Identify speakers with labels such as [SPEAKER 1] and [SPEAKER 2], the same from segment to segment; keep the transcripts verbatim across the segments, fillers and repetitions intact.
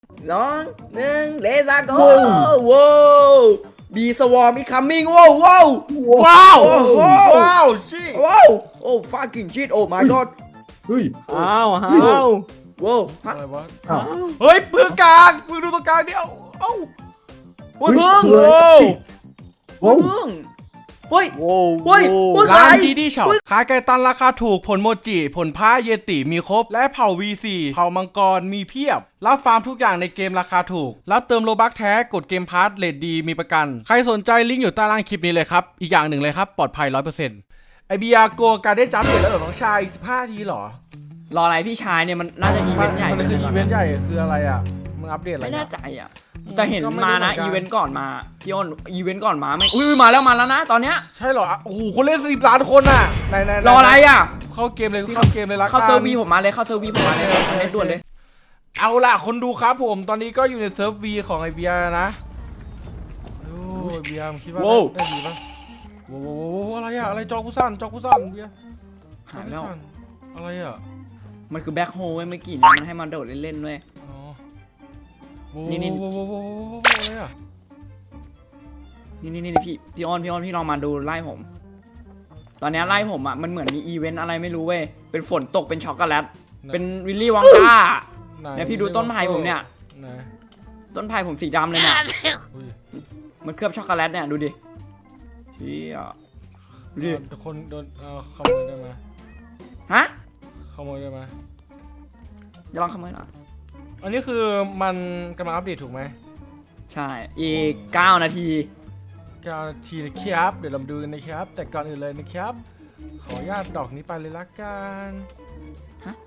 [SPEAKER 1] สองหนึ่งเลซ่าโกว้าวบีสวอร์มอีคัมมิ่งว้าวว้าวว้าวว้าวชิว้าวโอ้ fucking shit โอ้ my god
[SPEAKER 2] เฮ้ย
[SPEAKER 3] อ้าวอ้าว
[SPEAKER 1] ว้าว
[SPEAKER 4] อะไรวะ
[SPEAKER 2] อ้าว
[SPEAKER 4] เฮ้ยปืนกลางปืนดูตรงกลางเดียวเอ้า
[SPEAKER 1] โอ้ยพึ่ง
[SPEAKER 2] เฮ้ย
[SPEAKER 1] โอ้ยพึ่งเฮ้ย
[SPEAKER 3] โว้ว
[SPEAKER 1] เฮ้ยเฮ้ย
[SPEAKER 4] ร้านดีดีช็อปขายไก่ตันราคาถูกผลโมจิผลพ้าเยติมีครบและเผ่า วี ซี เผ่ามังกรมีเพียบรับฟาร์มทุกอย่างในเกมราคาถูกรับเติมโลบัคแท้กดเกมพาร์ทเรทดีมีประกันใครสนใจลิงก์อยู่ใต้ล่างคลิปนี้เลยครับอีกอย่างหนึ่งเลยครับปลอดภัย ร้อยเปอร์เซ็นต์ ไอเบียโกการได้จับเสร็จแล้วเหรอน้องชายสิบห้าทีเหรอ
[SPEAKER 3] รออะไรพี่ชายเนี่ยมันน่าจะอีเวนต์ใหญ่
[SPEAKER 4] มันคืออีเวนต์ใหญ่คืออะไรอ่ะมึงอัปเดตอะไร
[SPEAKER 3] ไม่แน่
[SPEAKER 4] นะ
[SPEAKER 3] ใจอ่ะแต่เห็น
[SPEAKER 4] ก็ไม่รู้
[SPEAKER 3] มานะ
[SPEAKER 4] เหมือนกัน
[SPEAKER 3] อีเวนต์ก่อนมาพี่อ้นอีเวนต์ก่อนมาไม่อุ้ยมาแล้วมาแล้วนะตอนเนี้ย
[SPEAKER 4] ใช่เหรออ่ะโอ้โหคนเล่นสิบล้านคนอ่ะไหนไหนหน
[SPEAKER 3] รออะไรอ่ะ
[SPEAKER 4] เข้าเกมเลยเข้าเกมเลยละกัน
[SPEAKER 3] เข้าเซอร์วีผมมาเลยเข้าเซอร์วีผมมาเลยอันนี้ด่วนเลย
[SPEAKER 4] เอาล่ะคนดูครับผมตอนนี้ก็อยู่ในเซิร์ฟวีของไอเบียนะโอ้ยเบียร์มึงคิดว่าได้ดีปะโว้โหอะไรอะอะไรจอกูสั้นจอกูสั้นเบียร์
[SPEAKER 3] หายแล้ว
[SPEAKER 4] อะไรอะ
[SPEAKER 3] มันคือแบ็คโฮลเว้ยเมื่อกี้เนี่ยมันให้มันโดดเล่นๆเว้ย
[SPEAKER 4] อ๋อโว้
[SPEAKER 3] นี่นี่
[SPEAKER 4] โว้โว้โว้โว้โว้อะไรอะ
[SPEAKER 3] นี่นี่นี่พี่พี่อ้อนพี่อ้อนพี่ลองมาดูไล่ผม ตอนเนี้ยไล่ผมอ่ะมันเหมือนมีอีเวนต์อะไรไม่รู้เว้ยเป็นฝนตกเป็นช็อกโกแลตเป็นวิลลี่วังก้า
[SPEAKER 4] ไห
[SPEAKER 3] เนี่ยพี่ดูต้นไผ่ผมเนี่ย
[SPEAKER 4] ไหน
[SPEAKER 3] ต้นไผ่ผมสีดำเลยเนี่ย
[SPEAKER 4] อุ้ย
[SPEAKER 3] มันเคลือบช็อกโกแลตเนี่ยดูดิเฮียดูดิ
[SPEAKER 4] โดนคนโดนเอ่อขโมยได้ไหม
[SPEAKER 3] ฮะ
[SPEAKER 4] ขโมยได้ไหม
[SPEAKER 3] จะลองขโมยเหรอ
[SPEAKER 4] อันนี้คือมันกำลังอัปเดตถูกไหม
[SPEAKER 3] ใช่อีกเก้านาที
[SPEAKER 4] การทีนะครับเดี๋ยวเรามาดูกันนะครับแต่ก่อนอื่นเลยนะครับ ขออนุญาตดอกนี้ไปเลยละกัน
[SPEAKER 3] ฮะ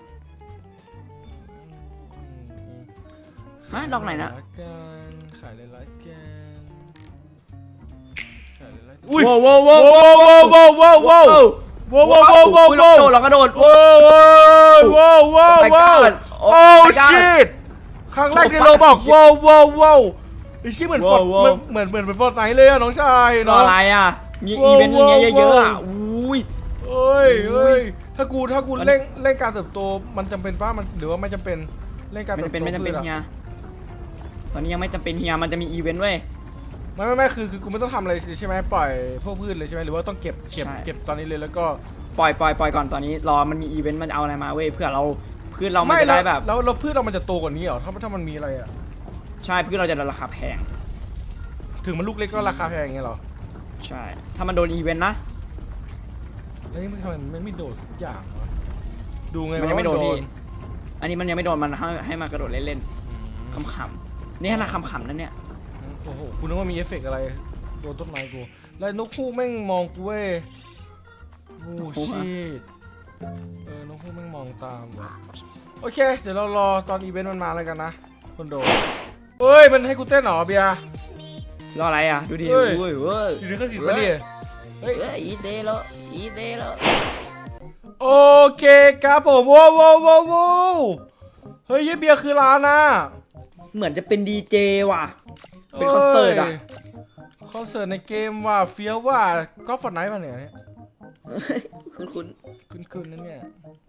[SPEAKER 3] ฮะดอกไหนนะ
[SPEAKER 4] ละกันขายเลยละกันขายเลยละกัน
[SPEAKER 1] อุ้ยว้าวว้าวว้าวว้าวว้าวว้าวว้าวว้าวว้าวว้าวว้าว
[SPEAKER 3] เรากระโดดเรากระโดด
[SPEAKER 4] ว้าวว้าวว้าว
[SPEAKER 3] my
[SPEAKER 4] ว้าว
[SPEAKER 3] god
[SPEAKER 4] โอ้
[SPEAKER 3] my god
[SPEAKER 4] ชิตครั้งแรกที่
[SPEAKER 3] Oh,
[SPEAKER 4] เราบอก
[SPEAKER 3] fuck
[SPEAKER 4] ว้าวว้าวว้าวไอ้ชี่เหมือนฟอร์ด
[SPEAKER 1] ว้าวว้าว
[SPEAKER 4] เหมือนเหมือนเหมือนฟอร์ดไหนเลยอะน้องชาย
[SPEAKER 3] รอ
[SPEAKER 4] เนาะ
[SPEAKER 3] อะไรอ่ะ มีอีเวนต์อย่างเงี้ยเยอะๆอ่ะอุ้ย
[SPEAKER 4] เอ้ยเอ้ยถ้ากูถ้ากู
[SPEAKER 3] มัน
[SPEAKER 4] เร่งเร่งการเติบโตมันจำเป็นป่ะมันหรือว่าไม่จำเป็นเร่งการ
[SPEAKER 3] ไม่
[SPEAKER 4] เติบ
[SPEAKER 3] จำเป็น
[SPEAKER 4] โต
[SPEAKER 3] ไม่จำเป็น
[SPEAKER 4] พืชอะ
[SPEAKER 3] เฮียตอนนี้ยังไม่จำเป็นเฮียมันจะมีอีเวนต์เว้ย
[SPEAKER 4] ไม่ไม่ไม่คือคือกูไม่ต้องทำอะไรใช่ไหมปล่อยพวกพืชเลยใช่ไหมหรือว่าต้องเก็บเก็บ
[SPEAKER 3] ใช่
[SPEAKER 4] เก็บตอนนี้เลยแล้วก็
[SPEAKER 3] ปล่อยปล่อยปล่อยก่อนตอนนี้รอมันมีอีเวนต์มันเอาอะไรมาเว้ยเพื่อเราพืชเรามันจะ
[SPEAKER 4] แล้ว
[SPEAKER 3] ได้แบบ
[SPEAKER 4] แล้วแล้วพืชเรามันจะโตกว่านี้เหรอถ้าถ้ามันมีอะไรอะ
[SPEAKER 3] ใช่พืชเราจะได้ราคาแพง
[SPEAKER 4] ถึงมันลูกเล็กก็ราคาแพงอย่างเงี้ยเหรอ
[SPEAKER 3] ใช่ ถ้ามันโดนอีเวนต์นะ
[SPEAKER 4] แล้วนี่มันทำไมมันไม่โดดสักอย่างวะดูไง
[SPEAKER 3] มันยังไม่โดน
[SPEAKER 4] ว่า
[SPEAKER 3] พี่อันนี้มันยังไม่โดนมันให้ให้มากระโดดเล่นๆขำๆนี่ขนาดขำๆนั่นเนี่ย
[SPEAKER 4] โอ้โหกูนึกว่ามีเอฟเฟกต์อะไรโดนต้นไม้กูแล้วนกฮูกแม่งมองกูเว้ยโอ้ชิตเออนกฮูกแม่งมองตามว่ะโอเคเดี๋ยวเรารอตอนอีเวนต์มันมาแล้วกันนะคนโดเฮ้ยมันให้กูเต้นเหรอเบียร์
[SPEAKER 3] รออะไรอ่ะดูดิ
[SPEAKER 4] เฮ้ย
[SPEAKER 3] เว้ยเว้ย
[SPEAKER 4] อยู่ในเครื่องติดปะเนี่ยเฮ้ย
[SPEAKER 3] เอ้ยอีเดโลอีเดโล
[SPEAKER 4] โอเคครับผมว้าวว้าวว้าวว้าวเฮ้ยเยเบียร์คือร้านน่ะ
[SPEAKER 1] เหมือนจะเป็นดีเจว่ะ เป็นคอนเสิร์ตอะ
[SPEAKER 4] คอนเสิร์ตในเกมว่าเฟี้ยวว่าก็ฟอร์ไนท์ป่ะเนี่ย
[SPEAKER 1] คุณคุณ
[SPEAKER 4] ขึ้นขึ้นนั่นเนี่ย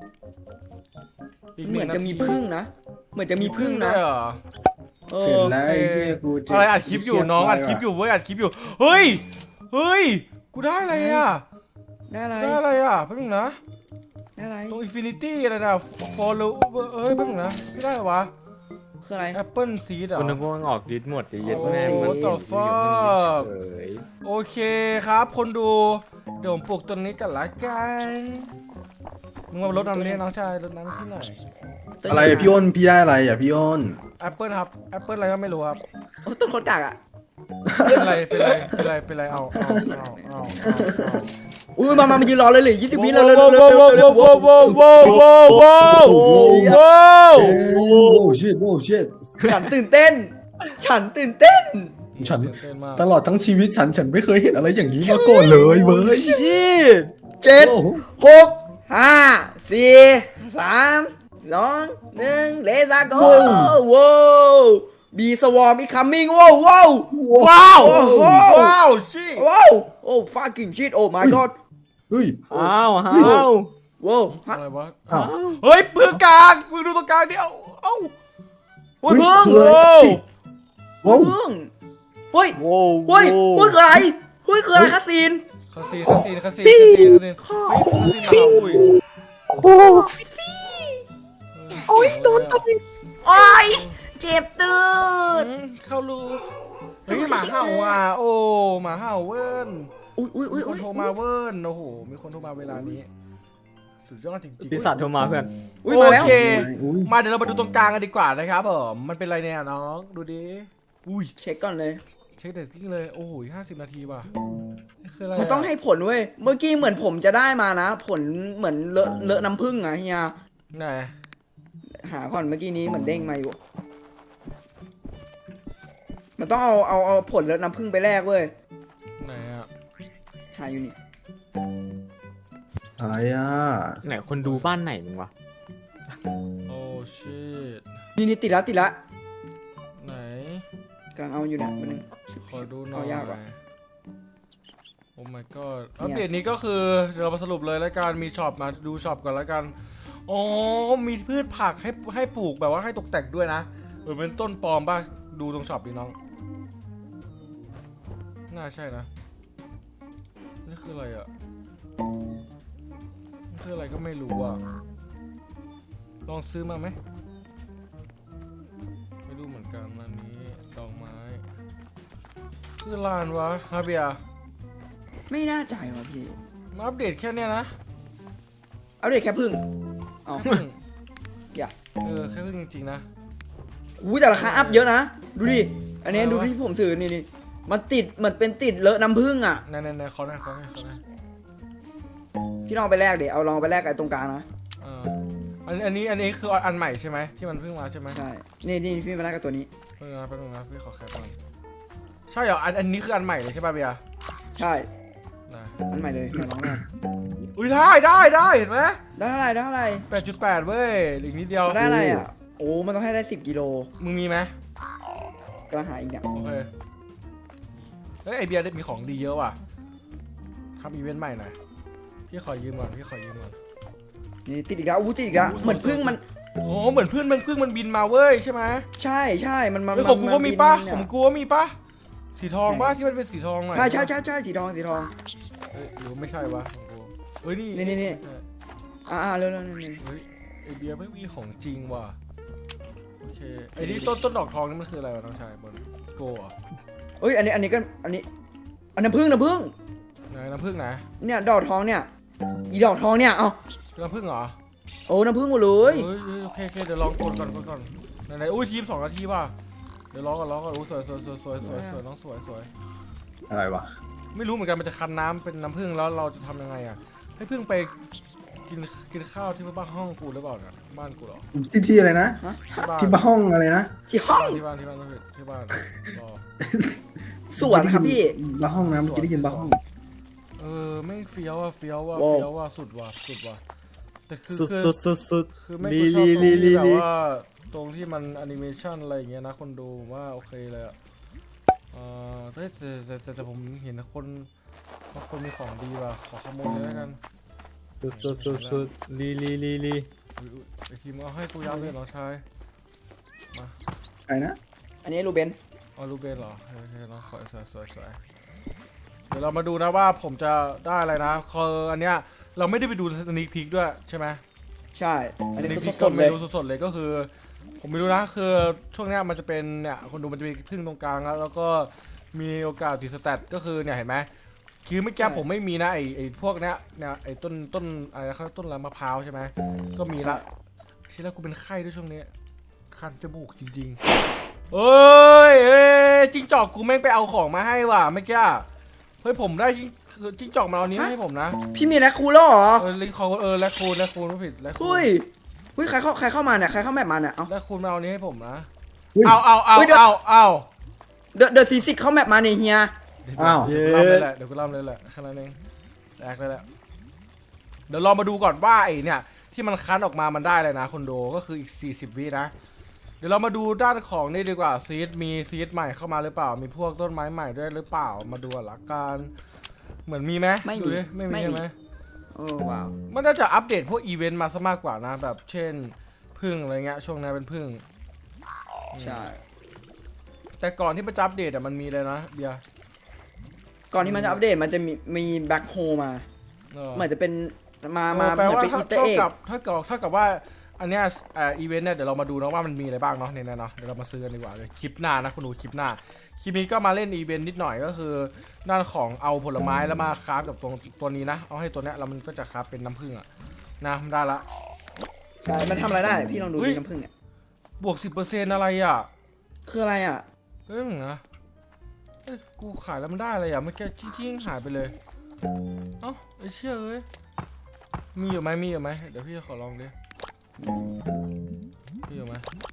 [SPEAKER 1] เหมือนจะมีพึ่งนะ เหมือนจะมีพึ่งนะ
[SPEAKER 4] ด้วยเหรอ
[SPEAKER 1] เอ
[SPEAKER 2] เสร็จ
[SPEAKER 1] อ
[SPEAKER 2] แล้วไอ้เหี้ยกูจะ
[SPEAKER 4] อะไรอัดคลิปอยู่น้องอัดคลิปอยู่เว้ยอัดคลิปอยู่เฮ้ยเฮ้ยกูได้อะไรอ่ะ
[SPEAKER 1] ได้อะไร
[SPEAKER 4] ได้อะไรอ่ะแป๊บนึงนะ
[SPEAKER 1] ได้อะไร
[SPEAKER 4] ตรงอินฟินิตี้อะไรนะฟอลโล่เอ้ยแป๊บนึงนะไม่ได้เหรอวะ
[SPEAKER 1] คืออะไร
[SPEAKER 4] แอปเปิลซีดอ่ะ
[SPEAKER 5] คุณนึกว่ามันออกดิสหมดจะเย็ด
[SPEAKER 4] โอ้
[SPEAKER 5] แม่
[SPEAKER 4] โห
[SPEAKER 5] มัน
[SPEAKER 4] ต่อฟ้า
[SPEAKER 5] เฉย
[SPEAKER 4] โอเคครับคนดูเดี๋ยวผมปลูกต้นนี้กันละกันมึงมารดน้ำนี่น้องชายรดน้ำที่ไหน
[SPEAKER 2] อะไรอะพี่อ้นพี่ได้อะไรอ่ะพี่อ้น
[SPEAKER 4] แอปเปิลครับแอปเปิลอะไรก็ไม่รู้ครับ
[SPEAKER 1] โอ้ต้นคนกากอ่ะ
[SPEAKER 4] เป็นไรเป็นไรเป็นไรเป็นไรเอาเอาเอาเอาเอา
[SPEAKER 1] อุ้ยมามามายืนรอเลยเลยยี่สิบวิเลยเลยเลย
[SPEAKER 4] ว้าวว้าวว้าวว้าวว้าวว้าวว้าวว้าว
[SPEAKER 2] โอ้ชิตโอ้ชิต
[SPEAKER 1] ฉันตื่นเต้น ฉันตื่นเต้น
[SPEAKER 2] ฉัน
[SPEAKER 4] เต้นมาก
[SPEAKER 2] ตลอดทั้งชีวิตฉันฉันไม่เคยเห็นอะไรอย่างนี้มาก่อนเลยเว้ย
[SPEAKER 1] ยี่เจ็ด
[SPEAKER 2] โอ้โห
[SPEAKER 1] หกห้าสี่สามสองหนึ่งเลซ่าโกว้าวบีสวอร์มอีคัมมิ่งว้าวว้าว
[SPEAKER 4] ว้าว
[SPEAKER 1] ว้าว
[SPEAKER 4] ว้าวชิ
[SPEAKER 1] ว้าวโอ้ fucking shit โอ้ my god
[SPEAKER 2] เฮ้ย
[SPEAKER 3] อ้าวอ้าว
[SPEAKER 1] ว้าวฮะ
[SPEAKER 4] อะไรวะ
[SPEAKER 2] อ้าว
[SPEAKER 4] เฮ้ยปืนกลางปืนดูตรงกลางเดียวเอ้า
[SPEAKER 1] โอ้อุ้ยพึ่ง
[SPEAKER 2] เฮ้ย
[SPEAKER 1] โอ้
[SPEAKER 2] โว้ว
[SPEAKER 1] พึ่งเฮ้ย
[SPEAKER 5] โว้ว
[SPEAKER 1] เฮ้ยเฮ้ยคืออะไรเฮ้ยคืออะไรคาซีน
[SPEAKER 4] คาซีนคาซีนคาซีนคาซีนคาซีนเฮ้ยคาซีนมาอุ้ย
[SPEAKER 2] โอ้
[SPEAKER 4] โอ้ยโดนตัว
[SPEAKER 1] โอ้ยเจ็บตืด
[SPEAKER 4] เข้ารูเฮ้ยหมาเห่าอ่ะโอ้หมาเห่าเวิร์น
[SPEAKER 1] อุ้ยอุ้ยอุ้
[SPEAKER 4] มี
[SPEAKER 1] ย
[SPEAKER 4] คนโทรมาเวิร์นโอ้โหมีคนโทรมาเวลานี้สุดยอดจริงๆ
[SPEAKER 5] ปีศาจโทรมาเพื่อน
[SPEAKER 1] อุ้ยมาแล้ว
[SPEAKER 4] โอเค
[SPEAKER 2] อุ้ย
[SPEAKER 4] มาเดี๋ยวเรามาดูตรงกลางกันดีกว่านะครับผมมันเป็นอะไรเนี่ยน้องดูดิอุ้ย
[SPEAKER 1] เช็คก่อนเลย
[SPEAKER 4] เช็คเดตติ้งเลยโอ้โหห้าสิบนาทีว่ะนี่คืออะไร
[SPEAKER 1] มันต้องให้ผลเว้ยเมื่อกี้เหมือนผมจะได้มานะ ผลเหมือนเลอะเลอะน้ำผึ้งอะเฮีย
[SPEAKER 4] ไหน
[SPEAKER 1] หาก่อนเมื่อกี้นี้เหมือนเด้งมาอยู่ มันต้องเอาเอาเอาผลเลอะน้ำผึ้งไปแลกเว้ย
[SPEAKER 4] ไหนอ่ะ
[SPEAKER 1] หาอยู่นี่
[SPEAKER 2] อะไรอ่ะ
[SPEAKER 5] ไหนคนดูบ้านไหนมึงวะ
[SPEAKER 4] โอ้ชิต
[SPEAKER 1] นี่นี่ติดละติดละ
[SPEAKER 4] ไหน
[SPEAKER 1] กำลังเอาอยู่เนี่ยมันนึง
[SPEAKER 4] ขอดูหน่อย
[SPEAKER 1] เอายากว่ะ
[SPEAKER 4] โอ้ my god อัปเดตนี้ก็คือเดี๋ยวเรามาสรุปเลยแล้วกันมีช็อปมาดูช็อปก่อนแล้วกันอ๋อมีพืชผักให้ให้ปลูกแบบว่าให้ตกแต่งด้วยนะเออเป็นต้นปลอมป่ะดูตรงช็อปดิน้องน่าใช่นะนี่คืออะไรอ่ะนี่คืออะไรก็ไม่รู้อ่ะลองซื้อมาไหมไม่รู้เหมือนกันอันนี้ดอกไม้ชื่อร้านวะฮาเบีย
[SPEAKER 1] ไม่น่าใจว่ะพี่
[SPEAKER 4] มาอัปเดตแค่เนี้ยนะ
[SPEAKER 1] อัปเดตแค่พึ่งเอา
[SPEAKER 4] แค่พึ่ง
[SPEAKER 1] อย่า
[SPEAKER 4] เออแค่พึ่งจริงๆนะ
[SPEAKER 1] หูแต่ราคาอัพเยอะนะ ดูดิ อันนี้
[SPEAKER 4] อะไรวะ
[SPEAKER 1] ดูที่ผมถือนี่นี่มันติดเหมือนเป็นติดเลอะน้ำผึ้งอ่ะ
[SPEAKER 4] ไหนไหนไหนขอหน่อยขอหน่อยขอหน่อย
[SPEAKER 1] พี่ลองไปแลกเดี๋ยวเอาลองไปแลกกับไอ้ตรงกลางนะ
[SPEAKER 4] อ่าอันอันนี้อันนี้คืออันใหม่ใช่ไหมที่มันเพิ่งมาใช่ไหม
[SPEAKER 1] ใช่ นี่นี่พี่มาแลกกับตัวนี้
[SPEAKER 4] เพิ่งนะแป๊บนึงนะพี่ขอแคปก่อนใช่เหรออันอันนี้คืออันใหม่เลยใช่ป่ะเบียร์
[SPEAKER 1] ใช่
[SPEAKER 4] ได้
[SPEAKER 1] อันใหม่เลยมาลองแลก
[SPEAKER 4] อุ้ยได้ได้ได้เห็นไหม
[SPEAKER 1] ได้เท่าไหร่ได้เท่าไหร่
[SPEAKER 4] แปดจุดแปดเว้ยอีกนิดเดียว
[SPEAKER 1] มันได้อะไรอ่ะ โอ้ มันต้องให้ได้สิบกิโล
[SPEAKER 4] มึงมีไหม
[SPEAKER 1] กำลังหาอีกเนี่ย
[SPEAKER 4] โอเคเฮ้ยไอเบียร์ได้มีของดีเยอะว่ะทำอีเวนต์ใหม่หน่อยพี่ขอยืมก่อนพี่ขอยืมก่อน
[SPEAKER 1] นี่ติดอีกแล้วอู้ติดอีกแล้วเหมือนพึ่งมัน
[SPEAKER 4] โอ้เหมือนเพื่อนมันเพื่อนมันบินมาเว้ยใช่ไหม
[SPEAKER 1] ใช่ใช่มันมัน
[SPEAKER 4] เฮ้ยของกูก็มีป่ะ
[SPEAKER 1] น
[SPEAKER 4] ของ
[SPEAKER 1] เนี่ย
[SPEAKER 4] กูก็มีป่ะสีทองป่ะที่มันเป็นสีทองหน่อย
[SPEAKER 1] ใช่ใช่ใช่ใช่สีทองสีทอง
[SPEAKER 4] เฮ้ยหรือไม่ใช่วะของกูเฮ้ยนี่
[SPEAKER 1] นี่นี่นี่ อ่าเร็วเร็วเร็วเร็ว
[SPEAKER 4] เฮ้ยไอเบียร์ไม่มีของจริงว่ะโอเคไอ้นี่ต้นต้นดอกทองนี่มันคืออะไรวะน้องชายบนโกอ่ะ
[SPEAKER 1] เอ้ยอันนี้อันนี้ก็อันนี้ อันน้ำผึ้งน้ำผึ้ง
[SPEAKER 4] ไหนน้ำผึ้งนะ
[SPEAKER 1] เนี่ยดอกทองเนี่ย อีดอกทองเนี่ย เอา
[SPEAKER 4] น้ำผึ้งเหรอ
[SPEAKER 1] โอ้น้ำผึ้งหมดเลย
[SPEAKER 4] เฮ้ยเฮ้ยโอเคโอเคเดี๋ยวลองกดก่อนกดก่อนไหนไหนอุ้ยทีมสองนาทีป่ะเดี๋ยวร้องก่อนร้องก่อนอุ้ยสวยสวยสวยสวยสวยสวยน้องสวยสวย
[SPEAKER 2] อะไรวะ
[SPEAKER 4] ไม่รู้เหมือนกันมันจะคันน้ำเป็นน้ำผึ้งแล้วเราจะทำยังไงอ่ะให้ผึ้งไปกินกินข้าวที่บ้านห้องกูหรือเปล่าเนี่ยบ้านกูเหรอ
[SPEAKER 2] ที่ที่อะไรนะ
[SPEAKER 4] ที่บ้าน
[SPEAKER 2] ที่บ้านห้องอะไรนะ
[SPEAKER 1] ที่ห้อง
[SPEAKER 4] ที่บ้านที่บ้านที่บ้านที่บ้านรอ
[SPEAKER 1] สวนครับพี่
[SPEAKER 2] บ้านห้องนะเมื่อกี้ได้ยินบ้านห้อง
[SPEAKER 4] เออไม่งเฟี้ยวอ่ะเฟี้ยวอ่ะ
[SPEAKER 1] ว้าว
[SPEAKER 4] เฟี้ยวอ่ะสุดว่ะสุดว่ะแต่คือ
[SPEAKER 5] สุด
[SPEAKER 4] คือ
[SPEAKER 5] สุดสุดสุด
[SPEAKER 4] คือไม่
[SPEAKER 5] ลี
[SPEAKER 4] กูชอบตรง
[SPEAKER 5] ลี
[SPEAKER 4] ที่
[SPEAKER 5] ลี
[SPEAKER 4] แบบ
[SPEAKER 5] ลี
[SPEAKER 4] ว่าตรงที่มันแอนิเมชันอะไรอย่างเงี้ยนะคนดูผมว่าโอเคเลยอ่ะเออแต่แต่แต่แต่แต่ผมเห็นคนบางคนมีของดีว่ะขอขโมยเลยแล้วกัน
[SPEAKER 5] สุดสุดสุดสุดลีลีลีลี
[SPEAKER 4] อุ๊ยอุ๊ยไอทีมเอาให้กูยับเลยน้องชายมา
[SPEAKER 2] ใครนะ
[SPEAKER 1] อันนี้รูเบน
[SPEAKER 4] เอาลูกเบนเหรอโอเคน้องสวยสวยสวยสวยเดี๋ยวเรามาดูนะว่าผมจะได้อะไรนะคืออันเนี้ยเราไม่ได้ไปดูสนิคพิกด้วยใช่ไหม
[SPEAKER 1] ใช่ อันนี้
[SPEAKER 4] นี่
[SPEAKER 1] คือ
[SPEAKER 4] พี่
[SPEAKER 1] ส
[SPEAKER 4] ก็
[SPEAKER 1] ดๆเล
[SPEAKER 4] ไม่
[SPEAKER 1] ย
[SPEAKER 4] รู้สดๆเลยก็คือ ผมไม่รู้นะคือช่วงเนี้ยมันจะเป็นเนี่ยคนดูมันจะมีพึ่งตรงกลางแล้วแล้วก็มีโอกาสติดสแตทก็คือเนี่ยเห็นไหมคือเมื่อกี้ผมไม่มีนะไอไอพวกเนี้ยเนี่ยไอต้นต้นอะไรนะเขาต้นอะไรมะพร้าวใช่ไหมก็มีละทีแรกกูเป็นไข้ด้วยช่วงนี้คันจมูกจริงๆเอ้ยเอ้ยจิ้งจอกกูแม่งไปเอาของมาให้ว่ะเมื่อกี้เฮ้ยผมได้จิ้งคือจิ้งจอกมาเอานี้มาให้ผมนะ
[SPEAKER 1] พี่มีแลคคูลแล้วเหรอ
[SPEAKER 4] เออลิงคอเออแลคคูนแลคคูนไม่ผิดแลคคู
[SPEAKER 1] เฮ้
[SPEAKER 4] น
[SPEAKER 1] ยเฮ้ยใครเข้าใครเข้ามาเนี่ย ใครเข้าแมปมาเนี่ย เอา
[SPEAKER 4] แลคคูนมาเอานี้ให้ผมนะ
[SPEAKER 2] อุ๊ย
[SPEAKER 4] เอาเอาเอา
[SPEAKER 1] เฮ้ยเดี๋ยว
[SPEAKER 4] เอาเอา
[SPEAKER 1] เดอะเดอะซีซิกเข้าแมปมาเนี่ยเฮีย
[SPEAKER 2] อ้าว
[SPEAKER 4] เดี๋ยวกูล่ำเลยแหละเดี๋ยวกูล่ำเลยแหละแค่นั้นเองแตกเลยแหละเดี๋ยวลองมาดูก่อนว่าไอ้เนี่ยที่มันคั้นออกมามันได้เลยนะคนดูก็คืออีกสี่สิบวินะเดี๋ยวเรามาดูด้านของนี่ดีกว่าซีดมีซีดใหม่เข้ามาหรือเปล่ามีพวกต้นไม้ใหม่ด้วยหรือเปล่ามาดูหลักการเหมือนมีไหม
[SPEAKER 1] ไม่มี
[SPEAKER 4] ดูดิไม่มี
[SPEAKER 1] ไม่มี
[SPEAKER 4] ใช่ไหม
[SPEAKER 1] โอ้ว้าว
[SPEAKER 4] มันน่าจะอัปเดตพวกอีเวนต์มาซะมากกว่านะแบบเช่นพึ่งอะไรเงี้ยช่วงนี้เป็นพึ่ง
[SPEAKER 1] ใช่
[SPEAKER 4] แต่ก่อนที่มันจะอัปเดตอะมันมีเลยนะเบียร์
[SPEAKER 1] ก่อนที่มันจะอัปเดตมันจะมีมีแบ็คโฮมา
[SPEAKER 4] เออ
[SPEAKER 1] เหมือนจะเป็นมามา
[SPEAKER 4] แปล
[SPEAKER 1] เหมือน
[SPEAKER 4] ว่า
[SPEAKER 1] เป็น
[SPEAKER 4] ถ้า
[SPEAKER 1] อีเตอร์
[SPEAKER 4] เท่า
[SPEAKER 1] เอ็ก
[SPEAKER 4] กับถ้าเกิดถ้ากับว่าอันเนี้ยเอ่ออีเวนต์เนี่ยเดี๋ยวเรามาดูนะว่ามันมีอะไรบ้างเนาะในนั้นเนาะเดี๋ยวเรามาซื้อกันดีกว่าเลยคลิปหน้านะคุณดูคลิปหน้าคลิปนี้ก็มาเล่นอีเวนต์นิดหน่อยก็คือด้านของเอาผลไม้แล้วมาคราฟกับตัวตัวนี้นะเอาให้ตัวเนี้ยแล้วมันก็จะคราฟเป็นน้ำผึ้งอะนะมันได้ละ
[SPEAKER 1] ใช่มันทำอะไรได้พี่ลองดู
[SPEAKER 4] เฮ้ย
[SPEAKER 1] ดิน้ำผึ้งเนี่ย
[SPEAKER 4] บวกสิบเปอร์เซ็นต์อะไรอ่ะ
[SPEAKER 1] คืออะไรอ่ะ
[SPEAKER 4] เอ้ยมึงนะเอ้ยกูขายแล้วมันได้อะไรอ่ะเมื่อกี้ทิ้งๆหายไปเลยเอ้าไอ้เชี่ยเอ้ยมีอยู่ไหมมีอยู่ไหมเดี๋ยวพี่ขอลองดิมีอยู่ไหม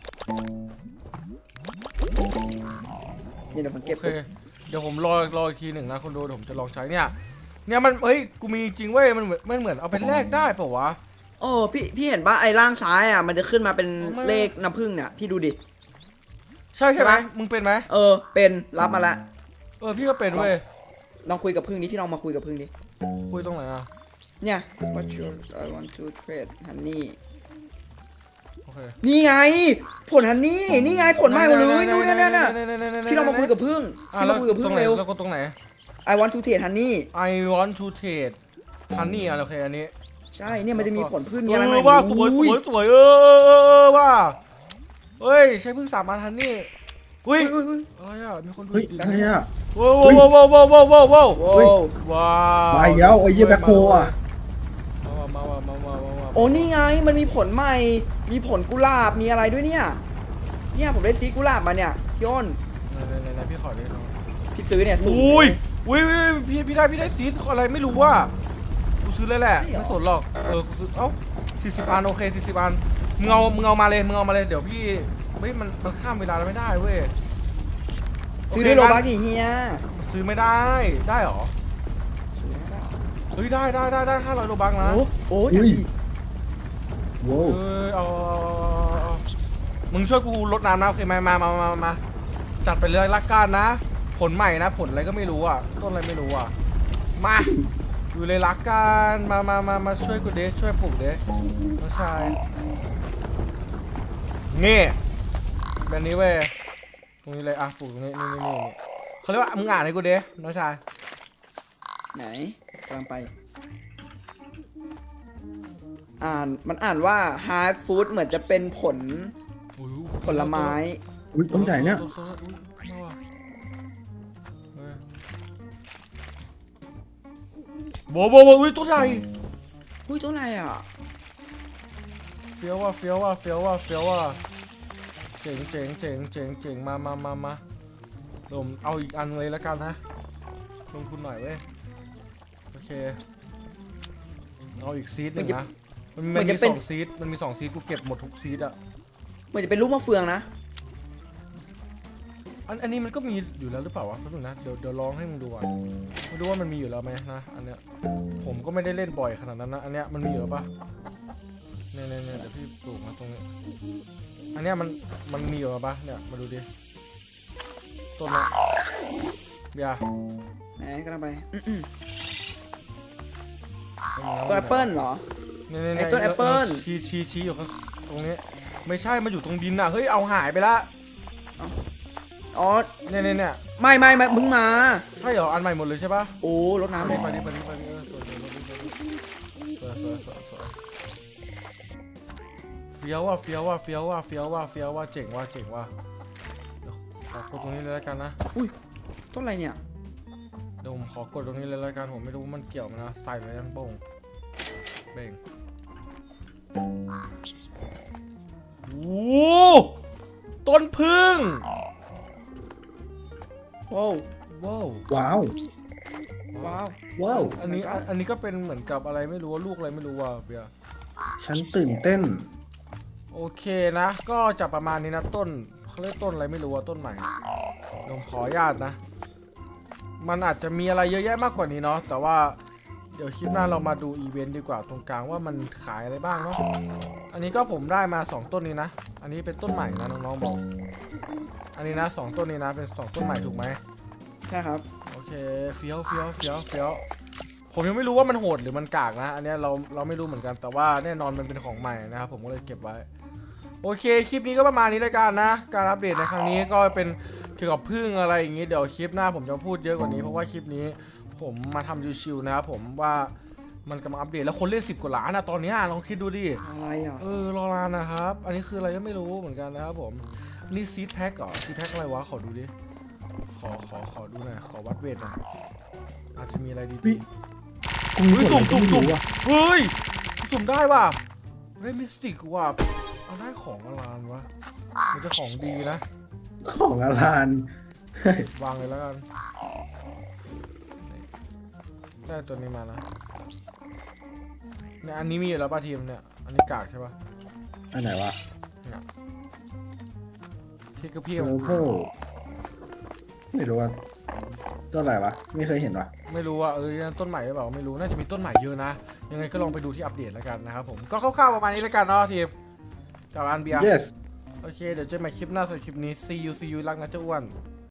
[SPEAKER 1] นี่เดี๋ยวผมเก็บ
[SPEAKER 4] โอเคเดี๋ยวผมรอรออีกทีหนึ่งนะคนดูเดี๋ยวผมจะลองใช้เนี่ยเนี่ยมันเฮ้ยกูมีจริงเว้ยมันเหมือนมันเหมือนเอาไปแลกได้เปล่าวะ
[SPEAKER 1] โอ้พี่พี่เห็นปะไอ้ล่างซ้ายอ่ะมันจะขึ้นมาเป็น
[SPEAKER 4] ไม่
[SPEAKER 1] เลขน้ำผึ้งเนี่ยพี่ดูดิ
[SPEAKER 4] ใช่ใช่ไหม
[SPEAKER 1] ใช่ไหม
[SPEAKER 4] มึงเป็นไหม
[SPEAKER 1] เออเป็นรับมาละ
[SPEAKER 4] เออพี่ก็เป็นเว้ย
[SPEAKER 1] ลองคุยกับผึ้งดิพี่ลองมาคุยกับผึ้งดิ
[SPEAKER 4] คุยตรงไหนอ่ะ
[SPEAKER 1] เนี่ย what you I want to trade honey
[SPEAKER 4] โอเค
[SPEAKER 1] นี่ไง ผลฮันนี่นี่ไงผลใหม่หมดเลยนู่นนี่นี่พี่ลองมาคุยกับผึ้ง
[SPEAKER 4] อ่ะ
[SPEAKER 1] พี่ล
[SPEAKER 4] แล้
[SPEAKER 1] อ
[SPEAKER 4] ว
[SPEAKER 1] งคุยกับ
[SPEAKER 4] ตร
[SPEAKER 1] ผึ้
[SPEAKER 4] ง
[SPEAKER 1] ง
[SPEAKER 4] ไหน
[SPEAKER 1] เร็ว
[SPEAKER 4] แล้วก็ตรงไหน
[SPEAKER 1] I want to trade honey
[SPEAKER 4] I want to trade honey อ่ะโอเคอันนี้
[SPEAKER 1] ใช่เนี่ยมันจะมีผลพืชมีอะไร
[SPEAKER 4] เอ
[SPEAKER 1] ใหม่
[SPEAKER 4] อว่าสวยส
[SPEAKER 1] อุ้
[SPEAKER 4] วยสวยเออเออเออว่าเฮ้ยใช้พึ่งสามอันฮันนี่อุ้ย
[SPEAKER 1] อุ้ยอุ้ย
[SPEAKER 4] อะไรอ่ะมีคนดู
[SPEAKER 2] เฮ้ย
[SPEAKER 4] ดี
[SPEAKER 2] อะไรอ่ะ
[SPEAKER 4] ว้าวว้าวว้าวว้าวว้าวว้าวว้าว
[SPEAKER 1] โอ้
[SPEAKER 2] เฮ้ย
[SPEAKER 4] ว้าว
[SPEAKER 2] มาอีกแล้วไอ้เหี้ยแบ็คโฮอ่ะ
[SPEAKER 4] มามามามามามามา
[SPEAKER 1] โอ้นี่ไงมันมีผลใหม่ มีผลกุหลาบมีอะไรด้วยเนี่ยเนี่ยผมได้ซีกุหลาบมาเนี่ยพี่อ้น
[SPEAKER 4] ไหนไหนไหนไหนพี่ขอดิ
[SPEAKER 1] พี่ซื้อเนี่ย
[SPEAKER 4] อุ้ยอุ้ยอุ้ยพี่พี่ได้พี่ได้ซีดอะไรไม่รู้ว่ากูซื้อเลยแหละไม่สนหรอกเออกูซื้อเอ้าสี่สิบอันโอเคสี่สิบอันมึงเอามึงเอามาเลยมึงเอามาเลยเดี๋ยวพี่เฮ้ยมันมันข้ามเวลาแล้วไม่ได้เว้ย
[SPEAKER 1] ซื้อด้วยโลบักดิเฮีย
[SPEAKER 4] ซื้อไม่ได้ได้หรอเฮ้ยได้ได้ได้ได้ห้าร้อยโลบังนะ
[SPEAKER 1] โอ้โอ้
[SPEAKER 2] อุ้
[SPEAKER 1] ย
[SPEAKER 2] ยว้าว
[SPEAKER 4] เออเอามึงช่วยกูลดน้ำนะโอเคไหมมามามามาจัดไปเลยละกันนะ ผลใหม่นะผลอะไรก็ไม่รู้อ่ะต้นอะไรไม่รู้อ่ะมาอยู่เลยละกันมามามามาช่วยกูเดชช่วยปลูกเดชน้องชายนี่แบบนี้เว้ยตรงนี้เลยอ่ะปลูกตรงนี้นี่นี่นี่เขาเรียกว่ามึงอ่านให้กูเดชน้องชาย
[SPEAKER 1] ไหนกำลังไป อ่านมันอ่านว่า hard food เหมือนจะเป็นผล
[SPEAKER 4] อุ๊ย
[SPEAKER 1] ผลไม้
[SPEAKER 2] อุ้ยต้นใหญ่เนี่ย
[SPEAKER 4] ต้นอุ๊ยมาว่ะเฮ้ยโว้โว้โว้อุ้ยต้นใหญ่
[SPEAKER 1] อุ้ยตัวอะไรอ่ะ
[SPEAKER 4] เฟี้ยวว่ะเฟี้ยวว่ะเฟี้ยวว่ะเฟี้ยวว่ะเจ๋งเจ๋งเจ๋งเจ๋งเจ๋งมามามามาลมเอาอีกอันเลยแล้วกันนะลงทุนหน่อยเว้ยโอเคเอาอีกซีดหนึ่งนะมันมันมีสองซีดมันมีสองซีดกูเก็บหมดทุกซีดอ่ะ
[SPEAKER 1] เหมือนจะเป็นลูกมะเฟืองนะ
[SPEAKER 4] อันอันนี้มันก็มีอยู่แล้วหรือเปล่าวะแป๊บนึงนะเดี๋ยวเดี๋ยวลองให้มึงดูอ่ะมาดูว่ามันมีอยู่แล้วไหมนะอันเนี้ยผมก็ไม่ได้เล่นบ่อยขนาดนั้นนะอันเนี้ยมันมีอยู่หรือปะเนี่ยเนี่ยเนี่ยเดี๋ยวพี่ปลูกมาตรงนี้อันเนี้ยมันมันมีอยู่หรือปะเนี่ยมาดูดิต้นละเบียร์
[SPEAKER 1] ไหนกำลังไปอื้อ
[SPEAKER 4] ไม่มี
[SPEAKER 1] ๆตัวแอปเปิ้ลเหรอ
[SPEAKER 4] เนี่ยเนี่ย
[SPEAKER 1] ไอ้
[SPEAKER 4] เนี่ย
[SPEAKER 1] ต้นแอปเปิ้ล
[SPEAKER 4] ชี้ชี้ชี้อยู่ข้างตรงนี้ไม่ใช่มันอยู่ตรงดินอ่ะเฮ้ยเอาหายไปละ
[SPEAKER 1] อ๋อ
[SPEAKER 4] เนี่ยเนี่ยเนี่ย
[SPEAKER 1] ไม่ไม่ไม่มึงมา
[SPEAKER 4] ใช่เหรออันใหม่หมดเลยใช่ปะ
[SPEAKER 1] โอ้รถน้ำ
[SPEAKER 4] ไป
[SPEAKER 1] เลย
[SPEAKER 4] ดิไปดิไปดิไปดิเออสวยสวยสวยสวยสวยสวยสวยเฟี้ยวว่ะเฟี้ยวว่ะเฟี้ยวว่ะเฟี้ยวว่ะเฟี้ยวว่ะเจ๋งว่ะเจ๋งว่ะเดี๋ยวขอกดตรงนี้เลยแล้วกันนะ
[SPEAKER 1] ต้นอะไรเนี่ย
[SPEAKER 4] เดี๋ยวผมขอกดตรงนี้เลยแล้วกันผมไม่รู้ว่ามันเกี่ยวไหมนะใส่ไปยังโป่งเบ่งโอ้ต้นพึ่ง
[SPEAKER 1] โว้ว
[SPEAKER 4] ว้าว
[SPEAKER 2] ว้าว
[SPEAKER 1] ว้าว
[SPEAKER 2] ว้าว
[SPEAKER 4] อันนี้อันอันนี้ก็เป็นเหมือนกับอะไรไม่รู้ว่าลูกอะไรไม่รู้ว่ะเบียร์
[SPEAKER 2] ฉันตื่นเต้น
[SPEAKER 4] โอเคนะ ก็จะประมาณนี้นะต้นเขาเรียกต้นอะไรไม่รู้ว่าต้นใหม่เดี๋ยวผมขออนุญาตนะ มันอาจจะมีอะไรเยอะแยะมากกว่านี้เนาะแต่ว่าเดี๋ยวคลิปหน้าเรามาดูอีเวนต์ดีกว่าตรงกลางว่ามันขายอะไรบ้างเนาะอันนี้ก็ผมได้มาสองต้นนี้นะอันนี้เป็นต้นใหม่นะน้องๆบอกอันนี้นะสองต้นนี้นะเป็นสองต้นใหม่ถูกไหม
[SPEAKER 1] ใช่ครับ
[SPEAKER 4] โอเคเฟี้ยวเฟี้ยวเฟี้ยวเฟี้ยวผมยังไม่รู้ว่ามันโหดหรือมันกากนะอันเนี้ยเราเราไม่รู้เหมือนกันแต่ว่าแน่นอนมันเป็นของใหม่นะครับผมก็เลยเก็บไว้โอเคคลิปนี้ก็ประมาณนี้แล้วกันนะการอัปเดตในครั้งนี้ก็เป็นเกี่ยวกับพึ่งอะไรอย่างงี้เดี๋ยวคลิปหน้าผมจะพูดเยอะกว่านี้เพราะว่าคลิปนี้ผมมาทำชิวๆนะครับผมว่ามันกำลังอัปเดตแล้วคนเล่นสิบกว่าล้านนะตอนนี้ลองคิดดูดิ
[SPEAKER 1] อะไรอ่ะ
[SPEAKER 4] เออรอนานนะครับ อันนี้คืออะไรก็ไม่รู้เหมือนกันนะครับผมนี่ซีดแพ็คเหรอซีดแพ็คอะไรวะขอดูดิขอขอขอดูหน่อยขอวัดเวทหน่อยอาจจะมีอะไรดี
[SPEAKER 2] พี่
[SPEAKER 4] ๆ
[SPEAKER 2] กู
[SPEAKER 4] เฮ้ยสุ่มสุ่มสุ่ม
[SPEAKER 2] ว่ะ
[SPEAKER 4] เฮ้ยสุ่มได้ว่ะได้มิสติกว่ะเอาได้ของอลานวะมันจะของดีนะ
[SPEAKER 2] ของอลาน
[SPEAKER 4] วางเลยแล้วกันได้ตัวนี้มานะเนี่ยอันนี้มีอยู่แล้วป่ะทีมเนี่ยอันนี้กากใช่ป่ะ
[SPEAKER 2] อันไหนวะ
[SPEAKER 4] พี่ก็พี่
[SPEAKER 2] โอ้โหไม่รู้ว่าต้นอะไรวะไม่เคยเห็นวะ
[SPEAKER 4] ไม่รู้ว่าเออต้นใหม่หรือเปล่าไม่รู้น่าจะมีต้นใหม่เยอะนะยังไงก็ลองไปดูที่อัปเดตแล้วกันนะครับผมก็คร่าวๆประมาณนี้แล้วกันเนาะทีมกับอันเบียร์
[SPEAKER 2] yes
[SPEAKER 4] โอเคเดี๋ยวเจอกันใหม่คลิปหน้าสำหรับคลิปนี้ see you see you รักนะเจ้าอ้วน